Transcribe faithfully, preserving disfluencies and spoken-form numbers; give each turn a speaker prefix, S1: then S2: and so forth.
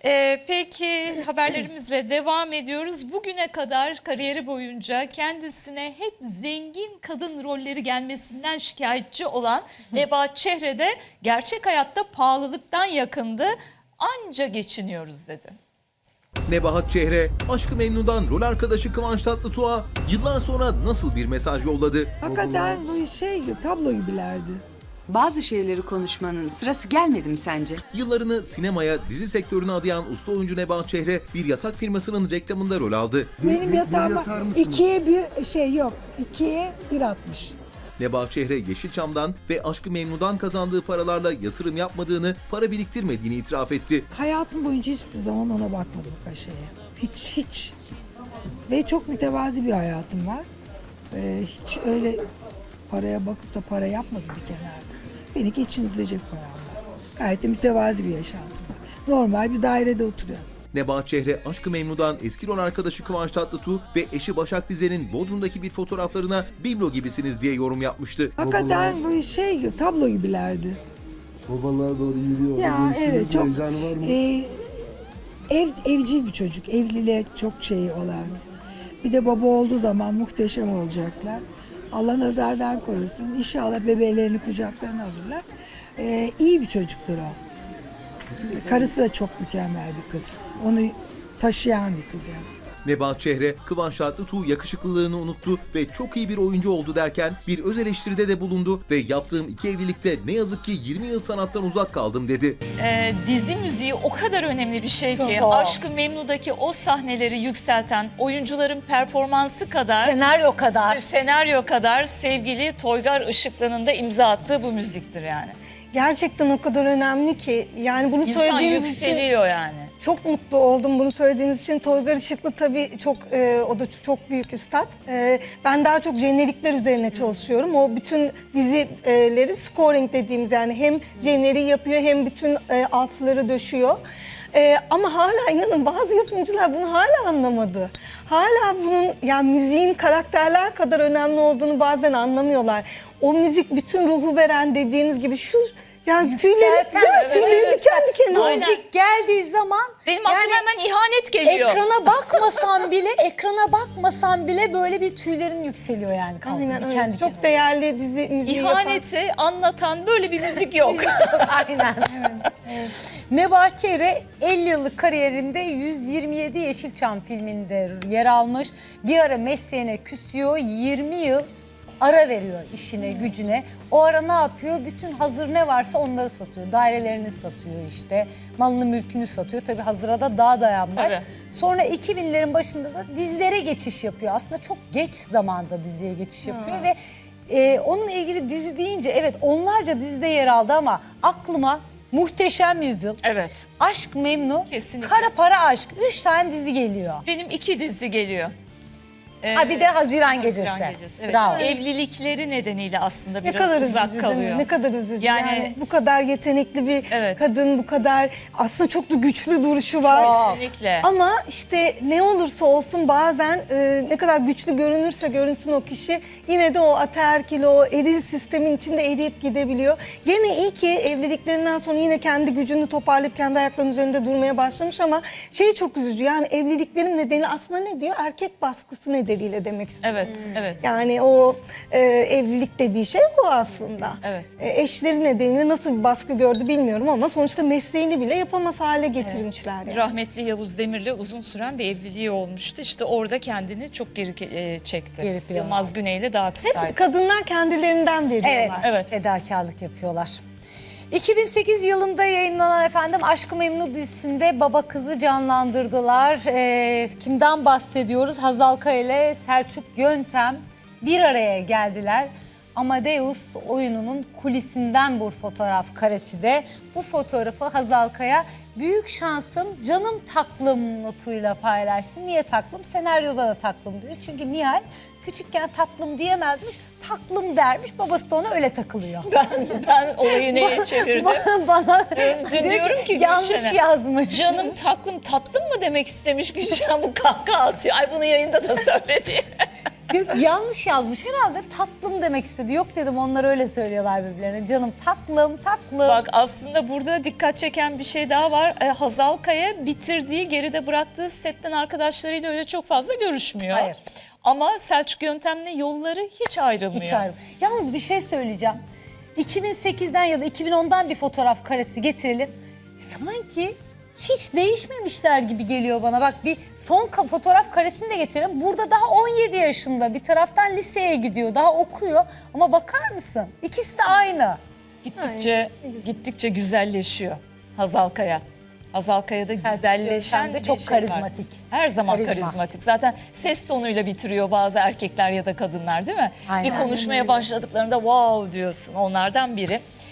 S1: Ee, peki haberlerimizle devam ediyoruz. Bugüne kadar kariyeri boyunca kendisine hep zengin kadın rolleri gelmesinden şikayetçi olan Nebahat Çehre de gerçek hayatta pahalılıktan yakındı. Anca geçiniyoruz dedi.
S2: Nebahat Çehre, Aşk-ı Memnu'dan rol arkadaşı Kıvanç Tatlıtuğ'a yıllar sonra nasıl bir mesaj yolladı?
S3: Hakikaten bu şey gibi, tablo gibilerdi.
S4: Bazı şeyleri konuşmanın sırası gelmedi mi sence?
S2: Yıllarını sinemaya, dizi sektörüne adayan usta oyuncu Nebahat Çehre bir yatak firmasının reklamında rol aldı.
S3: Benim yatağıma ikiye bir şey yok, ikiye bir atmış.
S2: Nebahat Çehre Yeşilçam'dan ve Aşk-ı Memnu'dan kazandığı paralarla yatırım yapmadığını, para biriktirmediğini itiraf etti.
S3: Hayatım boyunca hiçbir zaman ona bakmadım kaşeye. Hiç, hiç. Ve çok mütevazi bir hayatım var. Ee, hiç öyle paraya bakıp da para yapmadım bir kenarda. Beni geçindirecek param var. Gayet de mütevazi bir yaşantım var. Normal bir dairede oturuyorum.
S2: Nebahat Çehre, Aşk-ı Memnu'dan eski rol arkadaşı Kıvanç Tatlıtuğ ve eşi Başak Dizer'in Bodrum'daki bir fotoğraflarına biblo gibisiniz diye yorum yapmıştı.
S3: Hakikaten bu şey gibi, tablo gibilerdi.
S5: Babalığa doğru yürüyor.
S3: Ya
S5: Onun üstünde
S3: evet,
S5: bir
S3: çok
S5: heyecanı var mı?
S3: e, ev, evcil bir çocuk, evliliğe çok şey olan. Bir de baba olduğu zaman muhteşem olacaklar. Allah nazardan korusun. İnşallah bebeğlerini kucaklarına alırlar. E, iyi bir çocuktur o. Karısı da çok mükemmel bir kız. Onu taşıyan bir kız yani.
S2: Nebahat Çehre, Kıvanç Tatlıtuğ yakışıklılığını unuttu ve çok iyi bir oyuncu oldu derken bir öz eleştiride de bulundu ve yaptığım iki evlilikte ne yazık ki yirmi yıl sanattan uzak kaldım dedi.
S1: Ee, dizi müziği o kadar önemli bir şey ki
S6: Çok.
S1: Aşk-ı Memnu'daki o sahneleri yükselten oyuncuların performansı kadar
S6: Senaryo kadar.
S1: senaryo kadar sevgili Toygar Işıklı'nın da imza attığı bu müziktir yani.
S6: Gerçekten o kadar önemli ki. Yani bunu
S1: İnsan
S6: söylediğiniz için
S1: yükseliyor yani.
S6: çok mutlu oldum bunu söylediğiniz için. Toygar Işıklı tabii çok e, o da çok büyük üstad. E, ben daha çok jenerikler üzerine çalışıyorum. O bütün dizileri scoring dediğimiz, yani hem jeneriği yapıyor hem bütün e, altları döşüyor. Ee, ama hala inanın bazı yapımcılar bunu hala anlamadı. Hala bunun, yani müziğin karakterler kadar önemli olduğunu bazen anlamıyorlar. O müzik bütün ruhu veren, dediğiniz gibi şu, yani tüyleri,
S7: Yükselten,
S6: değil mi?
S7: evet,
S6: Tüyleri
S1: evet.
S6: diken diken oldu.
S1: Aynen.
S7: Müzik geldiği zaman
S1: Benim aklıma hemen ihanet geliyor.
S7: ekrana bakmasan bile ekrana bakmasan bile böyle bir tüylerin yükseliyor yani. kalkıp
S6: Aynen
S7: diken
S6: öyle.
S7: diken.
S6: Çok değerli dizi müziği yapan.
S1: İhaneti anlatan böyle bir müzik yok.
S7: Aynen. Nebahat Çehre elli yıllık kariyerinde yüz yirmi yedi Yeşilçam filminde yer almış. Bir ara mesleğine küsüyor, yirmi yıl ara veriyor işine, gücüne. O ara ne yapıyor? Bütün hazır ne varsa onları satıyor. Dairelerini satıyor işte. Malını mülkünü satıyor. Tabii hazıra da daha dayanmış.
S1: Tabii.
S7: Sonra iki binlerin başında da dizilere geçiş yapıyor. Aslında çok geç zamanda diziye geçiş yapıyor ve e, onunla ilgili dizi deyince evet onlarca dizide yer aldı ama aklıma Muhteşem Yüzyıl,
S1: Evet.
S7: Aşk Memnu,
S1: Kesinlikle.
S7: Kara Para Aşk. Üç tane dizi geliyor.
S1: Benim iki dizi geliyor. Ee,
S7: Ha bir de Haziran Gecesi.
S1: Haziran Gecesi, evet.
S7: Bravo.
S1: Evlilikleri nedeniyle aslında
S6: Ne
S1: biraz
S6: kadar
S1: uzak
S6: üzücü değil
S1: kalıyor.
S6: mi? Ne kadar üzücü.
S1: Yani-
S6: Yani, bu kadar yetenekli bir
S1: Evet.
S6: kadın, bu kadar aslında çok da güçlü duruşu var.
S1: Kesinlikle.
S6: Ama işte ne olursa olsun bazen e, ne kadar güçlü görünürse görünsün o kişi, yine de o ataerkil, o eril sistemin içinde eriyip gidebiliyor. Gene iyi ki evliliklerinden sonra yine kendi gücünü toparlayıp kendi ayaklarının üzerinde durmaya başlamış ama şey çok üzücü, yani evliliklerin nedeni aslında ne diyor? Erkek baskısı nedeniyle demek istiyor.
S1: Evet, evet.
S6: Yani o e, evlilik dediği şey o aslında.
S1: Evet.
S6: E, eşleri nedeniyle nasıl bir baskı gördü bilmiyorum ama sonuçta mesleğini bile yapamaz hale getirmişler. Yani.
S1: Rahmetli Yavuz Demir'le uzun süren bir evliliği olmuştu. İşte orada kendini çok geri e, çekti.
S7: Geri plana
S1: Yılmaz Güney'le daha kısaydı.
S6: Kadınlar kendilerinden veriyorlar.
S7: Evet,
S1: Evet.
S7: fedakarlık yapıyorlar. iki bin sekiz yılında yayınlanan efendim Aşk-ı Memnu dizisinde baba kızı canlandırdılar. Ee, kimden bahsediyoruz? Hazal Kaya ile Selçuk Yöntem bir araya geldiler. Amadeus oyununun kulisinden bu fotoğraf karesi de. Bu fotoğrafı Hazal Kaya büyük şansım canım taklım notuyla paylaştı. Niye taklım? Senaryoda da taklım diyor. Çünkü Nihal Küçükken tatlım diyemezmiş, tatlım dermiş. Babası da ona öyle takılıyor.
S1: Ben, ben olayı neye çevirdim?
S7: Bana, bana
S1: Dün
S7: diyor
S1: diyorum ki
S7: yanlış
S1: Gülşen'e,
S7: yazmış.
S1: Canım tatlım tatlım mı demek istemiş Gülşen, bu kahkaha atıyor. Ay bunu yayında da söyledi.
S7: Diyor ki, yanlış yazmış. Herhalde tatlım demek istedi. Yok dedim, onlar öyle söylüyorlar birbirlerine. Canım tatlım, tatlım.
S1: Bak aslında burada dikkat çeken bir şey daha var. E, Hazal Kaya bitirdiği, geride bıraktığı setten arkadaşlarıyla öyle çok fazla görüşmüyor.
S7: Hayır.
S1: Ama Selçuk Yöntem'le yolları hiç ayrılmıyor.
S7: Hiç ayrı. Yalnız bir şey söyleyeceğim. iki bin sekizden ya da iki bin ondan bir fotoğraf karesi getirelim. Sanki hiç değişmemişler gibi geliyor bana. Bak bir son ka- fotoğraf karesini de getirelim. Burada daha on yedi yaşında, bir taraftan liseye gidiyor, daha okuyor. Ama bakar mısın? İkisi de aynı.
S1: Gittikçe gittikçe güzelleşiyor Hazal Kaya. Hazal Kaya'da
S7: Selçuk
S1: güzelleşen
S7: Yöntem de
S1: bir
S7: çok
S1: şey var.
S7: karizmatik.
S1: Her zaman
S7: Karizma.
S1: karizmatik. Zaten ses tonuyla bitiriyor bazı erkekler ya da kadınlar, değil mi?
S7: Aynen.
S1: Bir konuşmaya başladıklarında wow diyorsun, onlardan biri.